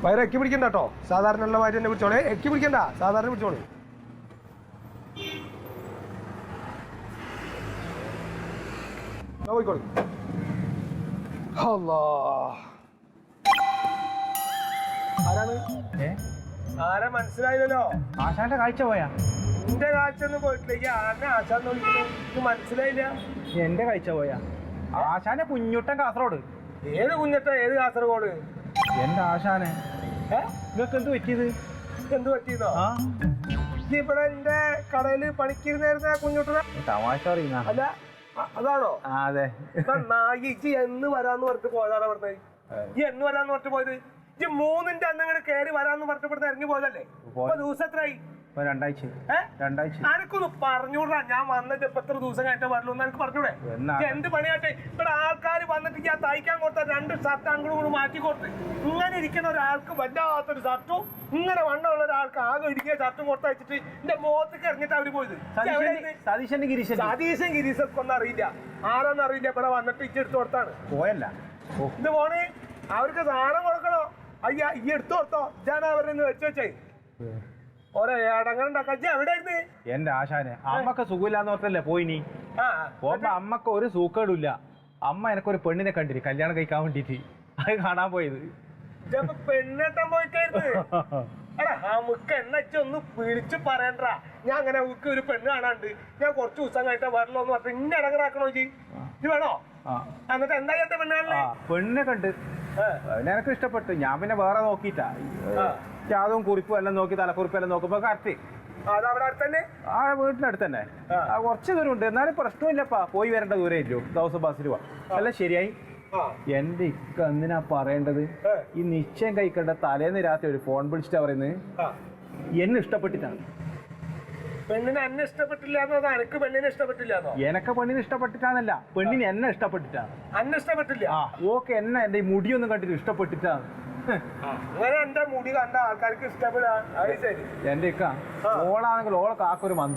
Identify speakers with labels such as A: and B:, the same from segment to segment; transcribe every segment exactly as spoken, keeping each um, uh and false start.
A: വയറ് എക്കി പിടിക്കണ്ട കേട്ടോ, സാധാരണ ഉള്ള മാതിരി തന്നെ പിടിച്ചോളേ. എക്കി പിടിക്കണ്ട, സാധാരണ പിടിച്ചോളൂ. പോയിക്കോളൂ. ആരാണ്? ആരാ മനസ്സിലായില്ലല്ലോ.
B: ആശാന്റെ കാഴ്ച പോയാ?
A: എന്റെ കാഴ്ച ഒന്നും പോയിട്ടില്ല. ആരുടെ ആശാന്ന് വിളിക്കുന്നത് മനസ്സിലായില്ല.
B: എന്റെ കാഴ്ച പോയാ? ആശാന്റെ കുഞ്ഞുട്ടൻ കാസർഗോഡ്.
A: ഏത് കുഞ്ഞട്ട? ഏത് കാസർഗോഡ്?
B: എന്റെ ആശാനെ. നിങ്ങൾക്ക് എന്ത് പറ്റിയത്?
A: എന്ത് പറ്റിയതോ? ഇവിടെ എന്റെ കടയില് പണിക്കിരുന്നായിരുന്ന കുഞ്ഞുട്ടന?
B: തമാശ അറിയുന്ന
A: അല്ല, അതാണോ?
B: അതെ.
A: നായി ഇജ്ജ് എന്ന് വരാന്ന് പറഞ്ഞിട്ട് പോയതാണ് പറഞ്ഞത്. ഈ എന്ന് വരാന്ന് പറഞ്ഞിട്ട് പോയത് ഇജ്ജ് മൂന്നിന്റെ അന്ന് ഇങ്ങനെ കയറി വരാന്ന് പറഞ്ഞിട്ട് ഇറങ്ങി പോയതല്ലേ? ദിവസം എത്രയായി?
B: രണ്ടാഴ്ച. രണ്ടാഴ്ച.
A: എനിക്കൊന്ന് പറഞ്ഞൂടാ, ഞാൻ വന്നിട്ട് ഇപ്പൊ എത്ര ദിവസം കഴിഞ്ഞിട്ട് വരലൂ എന്ന് എനിക്ക് പറഞ്ഞൂടെ? എന്ത് പണിയാട്ടെ ഇവിടെ ആൾക്കാർ വന്നിട്ട് ഞാൻ തയ്ക്കാൻ കൊടുത്ത രണ്ട് ഷർട്ട് അങ്ങോട്ടും കൂടെ മാറ്റി കൊടുത്ത് ഇങ്ങനെ ഇരിക്കുന്ന ഒരാൾക്ക് വല്ലാത്തൊരു ഷർട്ടും ഇങ്ങനെ വണ്ണമുള്ള ഒരാൾക്ക് ആകെ ഇടുക്കിയ ഷർട്ടും കൊടുത്ത് വെച്ചിട്ട് എന്റെ മുഖത്തേക്ക് ഇറങ്ങിട്ട് അവര് പോയത്.
B: സതീശൻ ഗിരീശൻ.
A: സതീശൻ ഗിരീശൊക്കെ ഒന്നും അറിയില്ല, ആരാന്ന് അറിയില്ല. ഇവിടെ വന്നിട്ട് ഇജ്ജ് എടുത്തു കൊടുത്താണ്
B: പോയല്ല.
A: ഇത് പോണേ അവർക്ക് സാധനം കൊടുക്കണോ? അയ്യ ഈ എടുത്തു കൊടുത്തോ, ഇതാണ് അവരെ വെച്ച് വെച്ചേ.
B: എന്റെ ആശാനെ അമ്മക്ക് സുഖമില്ലാന്ന് ഓർത്തല്ലേ പോയിനി. പോകുമ്പോ അമ്മക്ക് ഒരു സൂക്കേടില്ല. അമ്മ എനക്കൊരു പെണ്ണിനെ കണ്ടിരി കല്യാണം കഴിക്കാൻ വേണ്ടിട്ട്. അത് കാണാൻ പോയത്.
A: പെണ്ണെട്ടാൻ പോയിട്ടായിരുന്നു. നമുക്ക് എന്നു വിളിച്ചു പറയണ്ട. ഞാൻ അങ്ങനെ ഒരു പെണ്ണ് കാണാണ്ട് ഞാൻ കുറച്ച് ദിവസം കഴിഞ്ഞിട്ട് വരല്ലോ എന്ന് പറഞ്ഞിട്ട് ഇന്ന ഇടങ്ങറാക്കണോ ജി? ഇത് വേണോ? എന്നിട്ട് എന്താ ചേട്ടൻ പെണ്ണ് കാണല്ലേ?
B: പെണ്ണിനെ കണ്ട് എനക്ക് ഇഷ്ടപ്പെട്ടു. ഞാൻ പിന്നെ വേറെ നോക്കിട്ടാ ജാതവും കുറിപ്പും എല്ലാം നോക്കി തലക്കുറിപ്പും എല്ലാം നോക്കുമ്പോ കറക്റ്റ് ആ വീട്ടിനടുത്ത് തന്നെ. കുറച്ച് ദൂരം ഉണ്ട്, എന്നാലും പ്രശ്നമില്ലപ്പാ. പോയി വരേണ്ട ദൂരം ഇല്ലോ, ദിവസം ബസ്സിൽ പോവാ. എല്ലാം ശരിയായി. എന്റെ ഇക്ക എന്തിനാ പറയേണ്ടത്? ഈ നിശ്ചയം കഴിക്കേണ്ട തലേന്ന് രാത്രി ഒരു ഫോൺ വിളിച്ചിട്ടാ പറയുന്നത് എന്നെ ഇഷ്ടപ്പെട്ടിട്ടാണ്.
A: പെണ്ണിനെ എന്നെ ഇഷ്ടപ്പെട്ടില്ല എന്നോ എനിക്ക് പെണ്ണിനെ ഇഷ്ടപ്പെട്ടില്ല?
B: എനക്ക് പെണ്ണിനെ ഇഷ്ടപ്പെട്ടിട്ടാന്നല്ല, പെണ്ണിന് എന്നെ ഇഷ്ടപ്പെട്ടിട്ടാണ്.
A: എന്നെ ഇഷ്ടപ്പെട്ടില്ല?
B: ആ ഓക്കെ, എന്നെ എന്റെ ഈ മുടിയൊന്നും കണ്ടിട്ട് ഇഷ്ടപ്പെട്ടിട്ടാണ്.
A: അങ്ങനെ എന്റെ മുടി കണ്ട ആൾക്കാർക്ക് ഇഷ്ടപ്പെടാൻ.
B: എന്റെ ഇക്ക ഓളാണെങ്കിൽ ഓളെ കാക്കൊരു മന്ത്.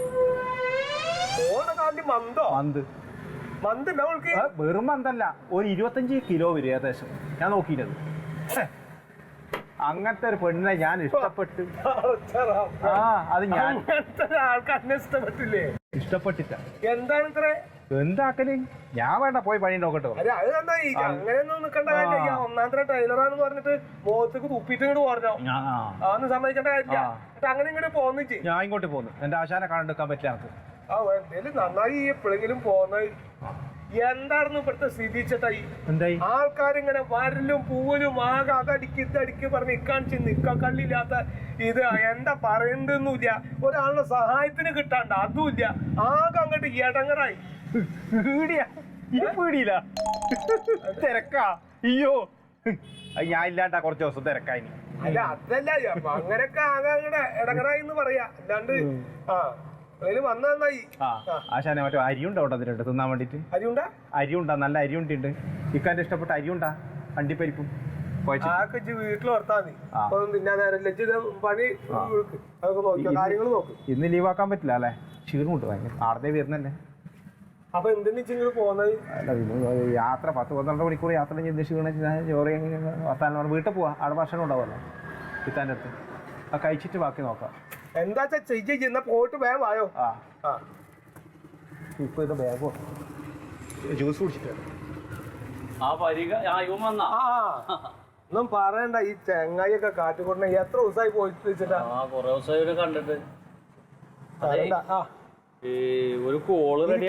A: മന്തോ?
B: മന്ത്.
A: മന്ത്
B: വെറും മന്തല്ല, ഒരു ഇരുപത്തഞ്ച് കിലോ വരും ഏകദേശം. ഞാൻ നോക്കിയിട്ടത്. അങ്ങനത്തെ ഒരു പെണ്ണിനെ ഞാൻ ഇഷ്ടപ്പെട്ടു. ആ അത് ഞാൻ
A: ആൾക്കാരെ ഇഷ്ടപ്പെട്ടില്ലേ?
B: ഇഷ്ടപ്പെട്ടിട്ട.
A: എന്താണ് ഇത്ര
B: എന്താക്കല്? ഞാൻ വേണ്ട പോയി പണി നോക്കട്ടോ.
A: അങ്ങനെയൊന്നും നിൽക്കേണ്ട കാര്യമില്ല. ഒന്നാമത്തെ ടൈലറാന്ന് പറഞ്ഞിട്ട് മുഖത്തേക്ക് തുപ്പിട്ട് ഇങ്ങോട്ട് പറഞ്ഞോ? അതൊന്നും സമ്മതിക്കേണ്ട കാര്യമില്ല. അങ്ങനെ ഇങ്ങോട്ട് പോന്നിച്ച്
B: ഞാൻ ഇങ്ങോട്ട് പോന്നു. എന്റെ ആശാനെ കണ്ടെടുക്കാൻ പറ്റില്ല നമുക്ക്.
A: ആ എന്തേലും നന്നായി എപ്പോഴെങ്കിലും പോന്നത്. എന്തായിരുന്നു ഇവിടുത്തെ സ്ഥിതി ചേട്ടായി?
B: എന്തായി?
A: ആൾക്കാരിങ്ങനെ വരലും പൂവലും ആകെ അതടിക്ക് ഇതടിക്ക് പറഞ്ഞ് ഇക്കാണിച്ച് നിക്ക കള്ളില്ലാത്ത ഇത് എന്താ പറയണ്ടെന്നില്ല. ഒരാളുടെ സഹായത്തിന് കിട്ടാണ്ട് അതുമില്ല. ആകെ അങ്ങോട്ട് ഇടങ്ങറായി.
B: പീടിയില്ല തിരക്കാ. അയ്യോ ഞാൻ ഇല്ലാണ്ടാ കുറച്ച് ദിവസം തിരക്കായി.
A: അല്ല അതല്ല, അങ്ങനെയൊക്കെ ആകെ അങ്ങടെ ഇടങ്ങറായി എന്ന് പറയാ. അല്ലാണ്ട് ആ വന്ന നന്നായി.
B: ആശാനെ മറ്റേ അരിയുണ്ടോ അതിലുണ്ട് തിന്നാൻ വേണ്ടിട്ട്?
A: അരിയുണ്ടാ?
B: അരിയുണ്ടാ, നല്ല അരിയുണ്ട്. ഇക്കാന്റെ ഇഷ്ടപ്പെട്ട അരിയുണ്ടാ, അണ്ടിപ്പരിപ്പും
A: വീട്ടിൽ വർത്താൻ പണി കാര്യങ്ങൾ നോക്കും.
B: ഇന്ന് ലീവാക്കാൻ പറ്റില്ല അല്ലേ? ക്ഷീണമുണ്ട് ഭയങ്കര. ആടത്തെ വരുന്നല്ലേ.
A: അപ്പൊ എന്തിനാ പോകുന്നത്?
B: യാത്ര പത്ത് പന്ത്രണ്ട് മണിക്കൂർ യാത്ര ചെയ്ത് ക്ഷീണം ചോറ് വർത്താനം വീട്ടിൽ പോവാ. അവിടെ ഭക്ഷണം ഉണ്ടാവുമല്ലോ ഇത്താൻ്റെ അടുത്ത്. ആ കഴിച്ചിട്ട് ബാക്കി നോക്കാം.
A: എന്താ ചെയ്യുന്ന പോയിട്ട് വേഗം വായോ.
B: ആ ഇപ്പൊ ഇത് ബാഗോ ജ്യൂസ് കുടിച്ചിട്ട്
A: ഒന്നും പറയണ്ട. ഈ ചെങ്ങായി ഒക്കെ കാട്ടിക്കൊണ്ട എത്ര ദിവസമായി പോയിട്ട് വെച്ചിട്ടാ?
C: കണ്ടിട്ട് ഒരു കോള് റെഡി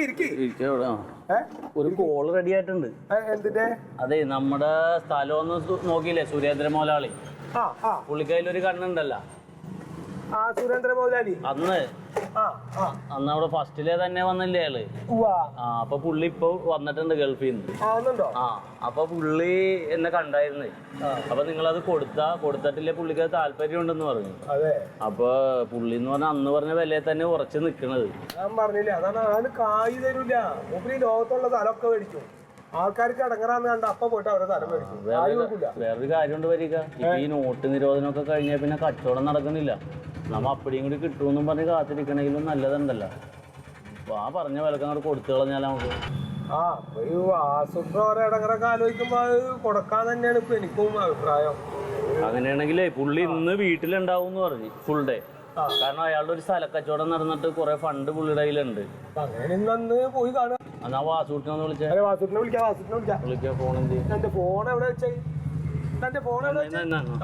C: ഒരു കോള് റെഡി ആയിട്ടുണ്ട്.
A: എന്തിന്റെ?
C: അതെ, നമ്മുടെ സ്ഥലം ഒന്ന് നോക്കിയില്ലേ സുരേന്ദ്ര മോലാളി? പുള്ളിക്കയിലൊരു കണ്ണുണ്ടല്ലോ
A: ആ സുരേന്ദ്ര മോലാലി.
C: അന്ന് അന്ന് അവിടെ ഫസ്റ്റിലെ തന്നെ വന്നില്ലേ ആള്? ആ അപ്പൊ പുള്ളി ഇപ്പൊ വന്നിട്ടുണ്ട് ഗൾഫിൽ നിന്ന്. ആ അപ്പൊ പുള്ളി എന്നെ കണ്ടായിരുന്നേ. അപ്പൊ നിങ്ങളത് കൊടുത്താ കൊടുത്തിട്ടില്ലേ പുള്ളിക്ക് അത് താല്പര്യം ഉണ്ടെന്ന് പറഞ്ഞു. അപ്പൊ പുള്ളി എന്ന് പറഞ്ഞ അന്ന് പറഞ്ഞ വിലയെ തന്നെ ഉറച്ചു നിക്കണത്.
A: ഞാൻ പറഞ്ഞില്ലേ, അതാണ് ആള് കായ് തരൂല. മൂപ്പര് ലോകത്തുള്ള സ്ഥലമൊക്കെ മേടിക്കും. ആൾക്കാർക്ക് അടങ്ങറാന്ന് കണ്ട അപ്പൊ പോയിട്ട് അവരുടെ സ്ഥലം മേടിക്കും.
C: വേറൊരു കാര്യം കൊണ്ട് വരിക, ഇപ്പൊ ഈ നോട്ട് നിരോധനമൊക്കെ കഴിഞ്ഞാൽ പിന്നെ കച്ചവടം നടക്കുന്നില്ല. നമ്മ അപ്പടിയും കൂടി കിട്ടുമെന്നും പറഞ്ഞ് കാത്തിരിക്കണെങ്കിലും നല്ലതുണ്ടല്ലോ. ആ പറഞ്ഞ വിലക്ക് അങ്ങോട്ട് കൊടുത്തു കളഞ്ഞാൽ നമുക്ക്
A: ആ ഒരു ആസൂത്രം ഓരോ ഇടങ്ങറൊക്കെ ആലോചിക്കുമ്പോ അത് കൊടുക്കാൻ തന്നെയാണ് ഇപ്പൊ എനിക്കും അഭിപ്രായം.
C: അങ്ങനെയാണെങ്കിലേ പുള്ളി ഇന്ന് വീട്ടിലുണ്ടാവും എന്ന് പറഞ്ഞു ഫുൾ ഡേ. കാരണം അയാളുടെ ഒരു സ്ഥലക്കച്ചവടം നടന്നിട്ട് കുറെ ഫണ്ട് പുള്ളിയുടെ കയ്യിലുണ്ട്.
A: പോയി കാണാം.
C: എന്നാ വാസൂട്ടിനൊന്ന് വിളിച്ചാ
A: വാസുട്ടിനെ വിളിക്കാം വാസുട്ടിനെ വിളിക്കാം
C: വിളിക്കാ. ഫോൺ എന്ത്
A: എന്റെ ഫോൺ എവിടെ വെച്ചേ എന്റെ ഫോൺ എവിടെ വെച്ചേ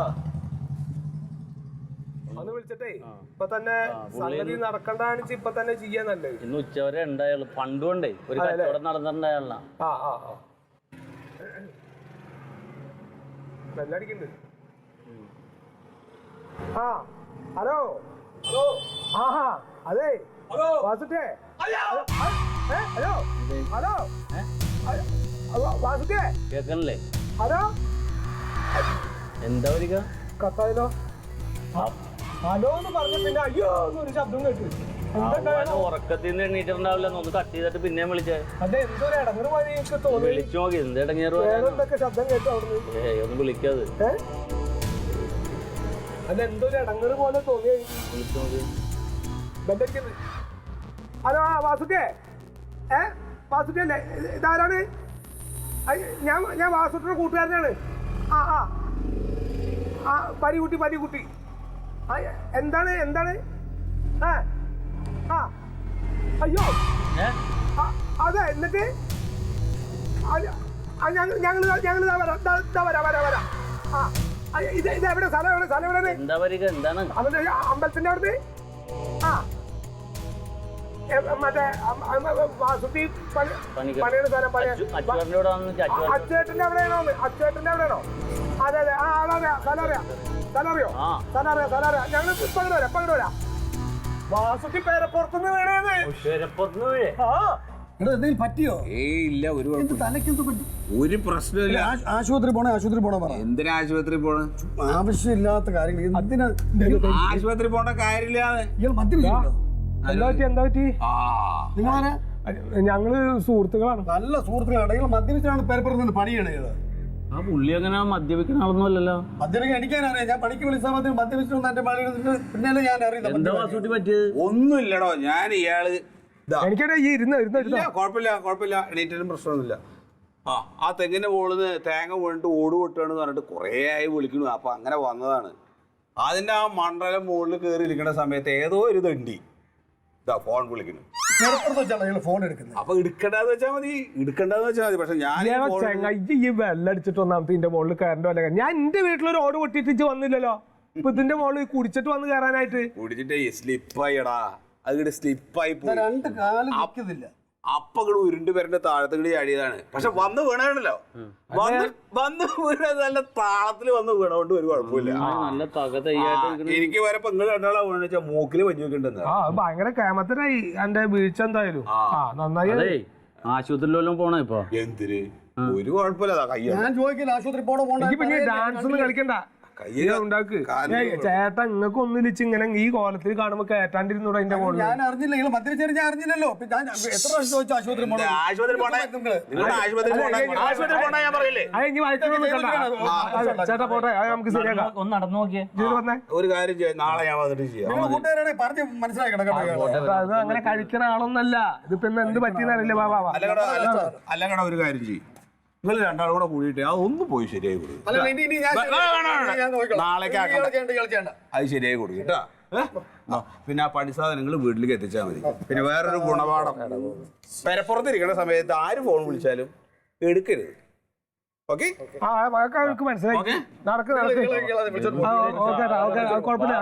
A: ഒന്ന് വിളിച്ചിട്ടേ ഇപ്പൊ തന്നെ സംഗതി നടക്കണ്ടാണ് ഇപ്പൊ തന്നെ ചെയ്യാൻ നല്ലത്.
C: ഇന്ന് ഉച്ചവരെ ഉണ്ടായുള്ളു. ഫണ്ട് കൊണ്ടേ ഒരു കച്ചവടം നടന്നിട്ടുണ്ടായുള്ള.
A: ആ ആ ആ ബെല്ലടിക്കുന്നുണ്ട്. ആ ഹലോ ഹലോ ആഹാ അതെ വാസുട്ടേ ഹലോ ഹലോ വാസുട്ടേ
C: കേക്കണല്ലേ?
A: ഹലോ
C: എന്താ വരിക?
A: കത്തായാലോ? ഹലോ എന്ന് പറഞ്ഞ പിന്നെ അയ്യോ ഒരു ശബ്ദം കേട്ടു.
C: ഉറക്കത്തിൽ നിന്ന് എണ്ണീറ്റിട്ടുണ്ടാവില്ല. ഒന്ന് കട്ട് ചെയ്തിട്ട് പിന്നെയും വിളിച്ചേ.
A: അതെ എന്തോരം ഇടങ്ങറ് പോലെ എനിക്ക് തോന്നി.
C: വിളിച്ചു നോക്കി എന്ത് ഇടങ്ങേറ്
A: എന്തൊക്കെ ശബ്ദം കേട്ടു അവിടുന്ന്.
C: ഏയ് ഒന്ന് വിളിക്കാത്.
A: അല്ല എന്തോരം ഇടങ്ങറ് പോലെ തോന്നി.
C: വിളിച്ചു നോക്കി.
A: ഹലോ ആ വാസുക്കേ ഏ വാസുക്കേ അല്ലേ ഇതാരാണ്? ഞാൻ ഞാൻ വാസുട്ടിയുടെ കൂട്ടുകാരനാണ്. ആ ആ ആ പരികുട്ടി പരികുട്ടി ആ എന്താണ് എന്താണ് ആ ആ അയ്യോ അതെ എന്നിട്ട് ഞങ്ങൾ ഞങ്ങൾ ഞങ്ങൾ ഇതാ വരാം ഇതാ വരാം വരാം വരാം ആ ഇത് ഇത് എവിടെ സ്ഥലം എവിടെ സ്ഥലം എവിടെ?
C: എന്താ വരിക? എന്താണ്
A: അവന്റെ അമ്പലത്തിന്റെ അവിടുന്ന് ആ മറ്റേ വാസുട്ടി പണിയുടെ സ്ഥലം അച്ചേട്ടന്റെ അവിടെയാണോ? അച്ചേട്ടന്റെ അവിടെയാണോ? അതെ അതെ ആ അതറിയാം സ്ഥലം അറിയാം സ്ഥലം അറിയോ സ്ഥലം അറിയാം സ്ഥലം അറിയാം. ഞങ്ങൾ ഇപ്പൊ അങ്ങോട്ട് വരാം ഇപ്പൊ അങ്ങോട്ട് വരാം. വാസുട്ടി പേരപ്പുറത്തുനിന്ന് വീണേന്ന്.
D: എന്തെങ്കിലും പറ്റിയോ?
B: ഏയ് ഇല്ല ഒരു
D: തലക്കെന്ത് പറ്റി?
B: ഒരു പ്രശ്നമില്ല.
D: ആശുപത്രി പോണേ ആശുപത്രി പോണോ പറ.
B: എന്തിനാ ആശുപത്രി പോണ?
D: ആവശ്യമില്ലാത്ത കാര്യങ്ങൾ എന്തിനാ
B: ആശുപത്രി പോണ്ട കാര്യമില്ല.
D: ഇയാൾ മദ്യപിച്ചിട്ടുണ്ടോ?
A: എന്താ പറ്റി എന്താ പറ്റി?
D: നിങ്ങളാരാ?
A: ഞങ്ങള് സുഹൃത്തുക്കളാണ്.
D: നല്ല സുഹൃത്തുക്കളാണ്. നിങ്ങൾ മദ്യപിച്ചാണ് പേരപ്പുറത്ത് നിന്ന് പണിയണത്.
C: ആ പുള്ളി അങ്ങനെ മദ്യപിക്കുന്ന ആളൊന്നുമല്ലല്ലോ.
D: മദ്യപിക്കാൻ എനിക്കാനറിയാം. ഞാൻ പണിക്ക് വിളിച്ചാൽ മതി മദ്യപിച്ചിട്ടുണ്ട് എന്റെ പണി പിന്നല്ലേ ഞാൻ അറിയില്ല.
C: എന്താ വാസൂട്ടി പറ്റിയത്?
B: ഒന്നുമില്ലടോ. ഞാൻ ഇയാള്
A: എനിക്കടെ ഈ ഇരുന്ന് ഇരുന്ന്
B: കുഴപ്പമില്ല കുഴപ്പമില്ല എണീറ്റിലും പ്രശ്നമൊന്നുമില്ല. ആ ആ തെങ്ങിന്റെ മുകളിൽ തേങ്ങ വീണിട്ട് ഓട് പൊട്ടുകയാണെന്ന് പറഞ്ഞിട്ട് കുറേ ആയി വിളിക്കണു. അപ്പൊ അങ്ങനെ വന്നതാണ്. അതിന്റെ ആ മണ്ഡലം മുകളിൽ കയറി ഇരിക്കുന്ന സമയത്ത് ഏതോ ഒരു തണ്ടി ഇതാ ഫോൺ വിളിക്കുന്നു.
D: ഫോൺ എടുക്കുന്നത്
B: അപ്പൊ എടുക്കണ്ടെന്ന് വെച്ചാൽ മതി എടുക്കണ്ടെന്ന് വെച്ചാൽ മതി. പക്ഷെ ഞാൻ
A: ഈ വെള്ളടിച്ചിട്ട് ഒന്നാമത്തെ ഇതിന്റെ മുകളിൽ കയറേണ്ട വല്ല ഞാൻ എന്റെ വീട്ടിലൊരു ഓട് പൊട്ടിട്ട് വന്നില്ലല്ലോ. ഇപ്പൊ ഇതിന്റെ മുകളിൽ കുടിച്ചിട്ട് വന്ന് കയറാനായിട്ട്
B: കുടിച്ചിട്ട് സ്ലിപ്പായിടാ. അത് സ്ലിപ്പായി
D: രണ്ട് കാലം നിൽക്കുന്നില്ല.
B: അപ്പൊ ഇവിടെ ഉരുണ്ട് പേരുടെ താഴത്തുകൂടി ചാടിയതാണ്. പക്ഷെ വന്ന് വീണാണല്ലോ. വന്ന് വന്ന് വീണ നല്ല താളത്തില് വന്ന് വീണോണ്ട് ഒരു കുഴപ്പമില്ല. എനിക്ക് വരെ പെങ്ങൾ രണ്ടാളാ വീണെന്ന് വെച്ചാൽ മൂക്കില് വഞ്ഞു വെക്കണ്ടെന്ന്.
A: ഭയങ്കര കേമത്തിനായി എന്റെ വീഴ്ച എന്തായാലും. നന്നായി
C: ആശുപത്രിയിലെല്ലാം പോണ ഇപ്പൊ
B: എന്തിന് ഒരു കുഴപ്പമില്ല.
D: ഞാൻ ചോദിക്കില്ല ആശുപത്രി പോണോ പോണോ.
A: ഡാൻസ് ഒന്നും കളിക്കണ്ട ഉണ്ടാക്ക്. ചേട്ടാ ഇങ്ങക്ക് ഒന്നിലിച്ച് ഇങ്ങനെ ഈ കോലത്തിൽ കാണുമ്പോ കേട്ടാണ്ടിരുന്നൂടെ അതിന്റെ മുകളിൽ.
D: ഞാൻ അറിഞ്ഞില്ല. നിങ്ങൾ മദ്യപിച്ചേരി ഞാൻ അറിഞ്ഞില്ലല്ലോ. എത്ര പ്രാവശ്യം ചോദിച്ചു ആശുപത്രി പോണോ
B: ആശുപത്രി പോണേ
A: ചേട്ടാ പോട്ടെ നമുക്ക് ശരിയാക്കാം.
C: ഒന്ന് നടന്നു നോക്കിയേ.
B: ഒരു കാര്യം ചെയ്യാം. നാളെ ഞാൻ വന്നിട്ട് ചെയ്യാം.
D: കൂട്ടുകാരെ പറഞ്ഞ് മനസ്സിലാക്കണം.
A: അത് അങ്ങനെ കഴിക്കുന്ന ആളൊന്നല്ല. ഇതിപ്പോ ഇന്ന് എന്ത് പറ്റിയെന്നറിയില്ല ബാബാ.
B: അല്ലങ്ങട ഒരു കാര്യം ചെയ്യും. നിങ്ങൾ രണ്ടാളും കൂടെ കൂടിയിട്ട് അതൊന്നും പോയി ശരിയായി കൊടുക്കും. നാളേക്ക് അത് ശരിയായി കൊടുക്കും കേട്ടാ. പിന്നെ ആ പണി സാധനങ്ങൾ വീട്ടിലേക്ക് എത്തിച്ചാൽ മതി. പിന്നെ വേറൊരു ഗുണപാഠം, പെരപ്പുറത്തിരിക്കുന്ന സമയത്ത് ആര് ഫോൺ വിളിച്ചാലും എടുക്കരുത്. ഓക്കെ
A: മനസ്സിലായി. നടക്ക് നടക്ക് കുഴപ്പമില്ല.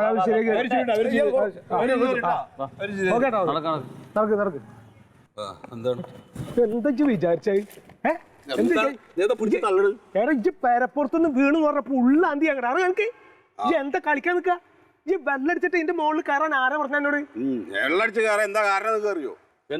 A: നടക്ക് നടക്ക്.
B: എന്താണ്
A: എന്താ വിചാരിച്ചേ? പേരപ്പുറത്തുനിന്ന് വീണ് പറഞ്ഞപ്പോ ഉള്ളാന്തി അങ്ങനെ അറിയാം എനിക്ക്. ഈ എന്താ കളിക്കാൻ നിക്ക? ഈ വെള്ളടിച്ചിട്ട് ഇതിന്റെ മുകളിൽ കയറാൻ ആരാ പറഞ്ഞ എന്നോട്?
B: വെള്ളടിച്ച് കയറാൻ എന്താ കാരണം അറിയോ?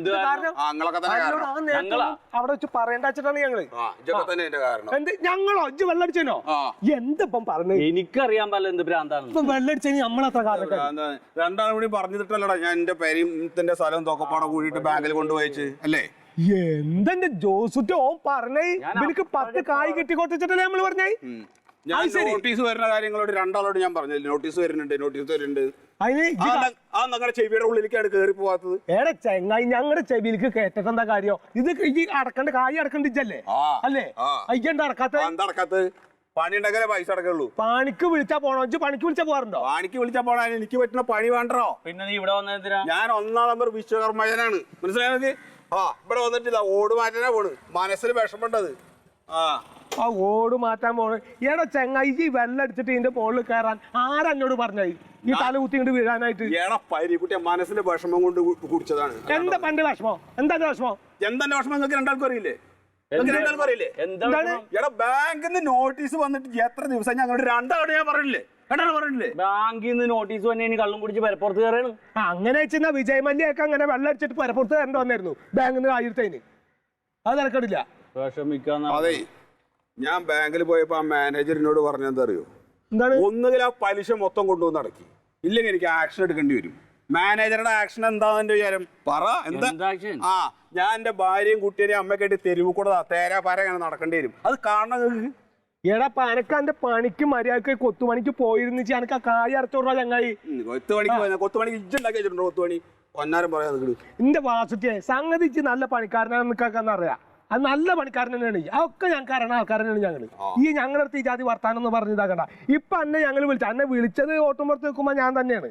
A: അവിടെ വെച്ച് പറയേണ്ട വെച്ചിട്ടാണ് ഞങ്ങള്. എന്ത് ഞങ്ങളോ ഇജ്ജ് വെള്ളടിച്ചോ? എന്തിപ്പം പറഞ്ഞു?
C: എനിക്കറിയാൻ പാടില്ല എന്ത് ഭ്രാന്താണ്
A: വെള്ളടിച്ചു നമ്മളത്ര കാലം.
B: രണ്ടാളും കൂടി പറഞ്ഞിട്ടല്ലടാ ഞാൻ എന്റെ പെരിന്റെ സ്ഥലം തൊക്കപ്പാടെ കൂടിയിട്ട് ബാങ്കിൽ കൊണ്ടുപോയിച്ച് അല്ലേ?
A: എന്തെന്റെ ജോസുറ്റോ പറഞ്ഞേ എനിക്ക് പത്ത് കായ് കെട്ടിക്കൊട്ടിച്ചിട്ടല്ലേ നമ്മള് പറഞ്ഞേ.
B: ഞാൻ നോട്ടീസ് വരുന്ന കാര്യങ്ങളോട് രണ്ടാളോട് ഞാൻ പറഞ്ഞു. നോട്ടീസ് വരുന്നുണ്ട് നോട്ടീസ് വരുന്നുണ്ട്. ആ ഞങ്ങളുടെ ചെവിയുടെ ഉള്ളിലേക്കാണ് കയറി പോവാത്തത്.
A: ഏടെ ചെങ്ങായി ഞങ്ങളുടെ ചെവിയിലേക്ക് കേട്ടിട്ട് എന്താ കാര്യം? ഇത് ഈ അടക്കണ്ട കായ് അടക്കണ്ടിച്ചല്ലേ അല്ലേ? അയ്യണ്ട അടക്കാത്ത
B: എന്താ അടക്കാത്തത്?
E: പണി ഉണ്ടെങ്കിലേ പൈസ അടക്കുള്ളൂ.
A: പണിക്ക് വിളിച്ചാ പോണോ? ഇജ്ജ് പണിക്ക് വിളിച്ചാ പോകാറുണ്ടോ?
E: പണിക്ക് വിളിച്ചാ പോണ എനിക്ക് പറ്റുന്ന പണി വേണ്ടോ?
C: പിന്നെ നീ ഇവിടെ വന്നെന്തിനാ?
E: ഞാൻ ഒന്നാം നമ്പർ വിശ്വകർമ്മജനാണ്, മനസ്സിലായത്? ആ ഇവിടെ വന്നിട്ടില്ല, ഓട് മാറ്റാനാ പോണ്. മനസ്സിൽ വിഷമുണ്ടത്. ആ
A: ആ ഓട് മാറ്റാൻ പോണ്. ഏടാ ചെങ്ങായി ഈ വെള്ളം അടിച്ചിട്ട് ഇതിന്റെ മുകളിൽ കയറാൻ ആരെന്നോട് പറഞ്ഞായി ഈ തല കുത്തി ഇങ്ങോട്ട് വീഴാനായിട്ട്?
E: ഏടാ പരിക്കുട്ടിയ മനസ്സിന്റെ വിഷമം കൊണ്ട് കുടിച്ചതാണ്.
A: എന്താ പണ്ട് വിഷമോ? എന്താ വിഷമോ?
E: എന്തെന്റെ വിഷമം നിങ്ങൾക്ക് രണ്ടാൾക്കും അറിയില്ലേ? രണ്ടാൾക്കും അറിയില്ലേ?
C: എന്താണ്
E: എടാ ബാങ്കിൽ നിന്ന് നോട്ടീസ് വന്നിട്ട് എത്ര ദിവസം ഞങ്ങളുടെ രണ്ടാളോട് ഞാൻ പറഞ്ഞില്ലേ? രണ്ടാളും പറഞ്ഞില്ലേ?
C: ബാങ്കിൽ നിന്ന് നോട്ടീസ് വന്നെ ഇനി കള്ളും കുടിച്ച് പരപ്പുറത്ത് കയറാണ്.
A: അങ്ങനെ വെച്ചാ വിജയ് മല്യൊക്കെ അങ്ങനെ വെള്ളം അടിച്ചിട്ട് പരപ്പുറത്ത് കയറേണ്ടി വന്നായിരുന്നു ബാങ്കിൽ നിന്ന് ആയിരത്തതിന്. അത് നടക്കണില്ല.
C: വിഷമിക്കാന്ന്
E: അതെ, ഞാൻ ബാങ്കിൽ പോയപ്പോ ആ മാനേജറിനോട് പറഞ്ഞെന്താ അറിയോ?
A: എന്താണ്?
E: ഒന്നുകിൽ ആ പലിശ മൊത്തം കൊണ്ടുവന്ന് അടക്കി, ഇല്ലെങ്കിൽ എനിക്ക് ആക്ഷൻ എടുക്കേണ്ടി വരും. മാനേജറുടെ ആക്ഷൻ എന്താന്ന് എന്റെ വിചാരം? പറ എന്താ? ആ ഞാൻ എന്റെ ഭാര്യയും കുട്ടിയെയും അമ്മയൊക്കെ ആയിട്ട് തെരുവ് കൂടെ തേരാ പാര അങ്ങനെ നടക്കേണ്ടി വരും. അത് കാണണം നിങ്ങൾക്ക്.
A: എടാ പനക്ക് എന്റെ പണിക്ക് മര്യാദക്ക് കൊത്തുപണിക്ക് പോയിരുന്നു എനക്ക് ആ കായ് അടച്ചോടാ ചങ്ങായി.
E: കൊത്തുപണിക്ക് പോയ കൊത്തുപണിക്ക് ഇജ്ജുണ്ടാക്കി വെച്ചിട്ടുണ്ടോ? കൊത്തുപണി പൊന്നാരം പറയാൻ നിൽക്കണു.
A: എന്റെ വാസുട്ടിയെ സംഗതിച്ച് നല്ല പണിക്കാരനാണെന്ന് നിൽക്കാന്ന് അറിയാം. അത് നല്ല പണിക്കാരൻ തന്നെയാണ്. അതൊക്കെ ഞങ്ങൾക്ക് അറിയണ ആൾക്കാരനാണ് ഞങ്ങള്. ഈ ഞങ്ങളുടെ അടുത്ത് ഈ ജാതി വർത്താനം എന്ന് പറഞ്ഞ് ഇതാക്കണ്ട. ഇപ്പൊ എന്നെ ഞങ്ങൾ വിളിച്ച എന്നെ വിളിച്ചത് ഓട്ടും പുറത്ത് നിൽക്കുമ്പോ ഞാൻ തന്നെയാണ്.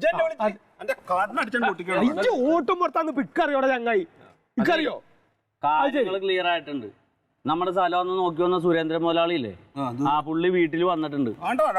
A: ഇജ്ജ് ഓട്ടും പുറത്താന്ന് പിക്കറിയോടെ ചങ്ങായി, ഇക്കറിയോ?
C: കാര്യങ്ങൾ ക്ലിയർ ആയിട്ടുണ്ട്. നമ്മുടെ സ്ഥലം ഒന്ന് നോക്കി വന്ന സുരേന്ദ്രൻ മുതലാളി ഇല്ലേ, ആ പുള്ളി വീട്ടിൽ വന്നിട്ടുണ്ട്.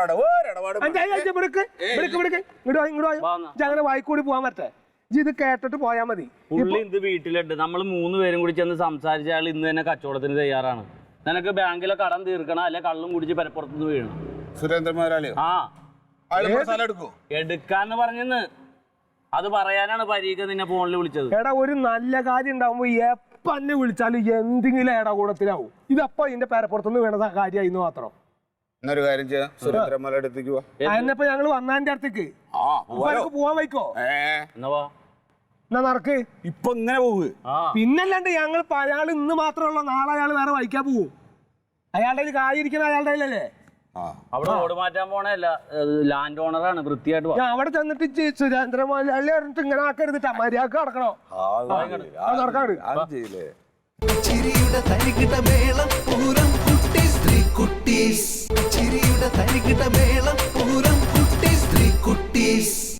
A: ഞങ്ങളുടെ വായിക്കൂടി പോവാൻ പറ്റേ? ഇത് കേട്ടിട്ട് പോയാ മതി.
C: പുള്ളി ഇത് വീട്ടിലുണ്ട്. നമ്മൾ മൂന്ന് പേരും കൂടി ചെന്ന് സംസാരിച്ച ആൾ ഇന്ന് തന്നെ കച്ചവടത്തിന് തയ്യാറാണ്. നിനക്ക് ബാങ്കിലെ കടം തീർക്കണം, അല്ലെ കള്ളും കുടിച്ച് പരപ്പുറത്തുനിന്ന് വീഴണം.
E: സുരേന്ദ്രൻ മുതലാളിയോ?
C: ആ
E: എടുക്കോ?
C: എടുക്കാന്ന് പറഞ്ഞെന്ന് അത് പറയാനാണ് പരീക്ഷ നിന്നെ ഫോണിൽ വിളിച്ചത്.
A: എടാ ഒരു നല്ല കാര്യം ഉണ്ടാവുമ്പോ എപ്പ എന്നെ വിളിച്ചാലും എന്തെങ്കിലും എടാ കൂടത്തിലാവും. ഇതപ്പോ ഇതിന്റെ പേരപ്പുറത്തുനിന്ന് വീണ കാര്യമായിരുന്നു മാത്രം.
E: എന്നൊരു കാര്യം ചെയ്യാം, സുരേന്ദ്രൻ മുതലാളി അടുത്തേക്ക് പോവാ.
A: അതിനപ്പോ ഞങ്ങള് വന്നതിന്റെ അടുത്തേക്ക് പോവാൻ വയ്ക്കോ?
C: എന്നവാ
A: എന്നാ നടക്ക്.
E: ഇപ്പൊ ഇങ്ങനെ പോവുക.
A: പിന്നല്ലാണ്ട് ഞങ്ങൾ അയാൾ ഇന്ന് മാത്രമല്ല, നാളെ അയാൾ വേറെ വഹിക്കാൻ പോവും. അയാളുടെ ഒരു കാര്യം ഇരിക്കുന്ന അയാളുടെ അല്ലേ?
C: അവിടെ ഓട് മാറ്റാൻ പോണല്ല, ലാൻഡ് ഓണറാണ്. വൃത്തിയായിട്ട്
A: ഞാൻ അവിടെ ചെന്നിട്ട് സുരേന്ദ്രൻ മുതലാളി പറഞ്ഞിട്ട് ഇങ്ങനെ ആക്കരുതിട്ടാ, മര്യാദക്ക് നടക്കണോ? നടക്കാട്.
F: ചിരിയുടെ തരികിട മേളം പൂരം കുട്ടീസ് ത്രീ കുട്ടീസ്. ചിരിയുടെ തരികിട മേളം പൂരം കുട്ടീസ് ത്രീ കുട്ടീസ്.